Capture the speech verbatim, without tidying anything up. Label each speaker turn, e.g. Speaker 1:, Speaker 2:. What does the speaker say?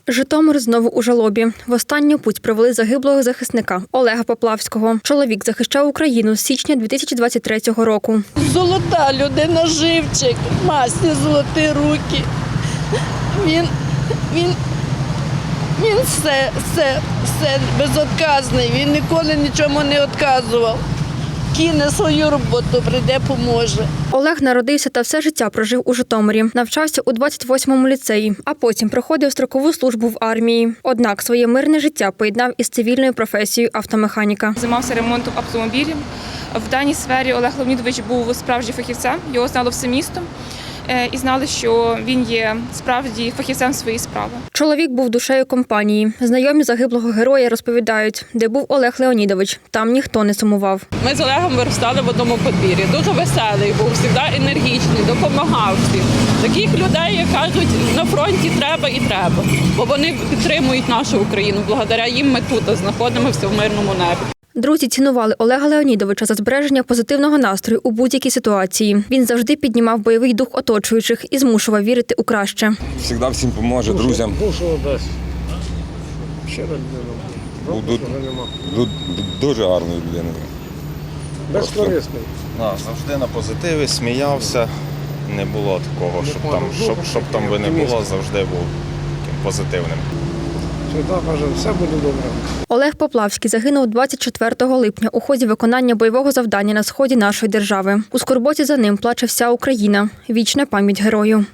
Speaker 1: Житомир знову у жалобі. В останню путь провели загиблого захисника Олега Поплавського. Чоловік захищав Україну з січня дві тисячі двадцять третього року.
Speaker 2: Золота людина, живчик, масні золоті руки. Він, він, він все, все, все безотказний, він ніколи нічому не відказував. Кине свою роботу, прийде, поможе.
Speaker 1: Олег народився та все життя прожив у Житомирі. Навчався у двадцять восьмому ліцеї, а потім проходив строкову службу в армії. Однак своє мирне життя поєднав із цивільною професією автомеханіка.
Speaker 3: Займався ремонтом автомобілів. В даній сфері Олег Леонідович був справжнім фахівцем, його знало все місто. І знали, що він є справді фахівцем своєї справи.
Speaker 1: Чоловік був душею компанії. Знайомі загиблого героя розповідають, де був Олег Леонідович. Там ніхто не сумував.
Speaker 4: Ми з Олегом виростали в одному подвір'ї. Дуже веселий був, завжди енергічний, допомагав всім. Таких людей, як кажуть, на фронті треба і треба. Бо вони підтримують нашу Україну. Благодаря їм ми тут знаходимося в мирному небі.
Speaker 1: Друзі цінували Олега Леонідовича за збереження позитивного настрою у будь-якій ситуації. Він завжди піднімав бойовий дух оточуючих і змушував вірити у краще.
Speaker 5: Завжди всім поможе, друзям.
Speaker 6: Душу дасть. Щира людина.
Speaker 5: Був дуже гарною людиною.
Speaker 6: Безкорисний.
Speaker 7: Да, завжди на позитиві, сміявся. Не було такого, щоб там, щоб, щоб там би не було, завжди був таким позитивним.
Speaker 6: Завжди каже, все буде добре.
Speaker 1: Олег Поплавський загинув двадцять четвертого липня у ході виконання бойового завдання на сході нашої держави. У скорботі за ним плаче вся Україна. Вічна пам'ять герою.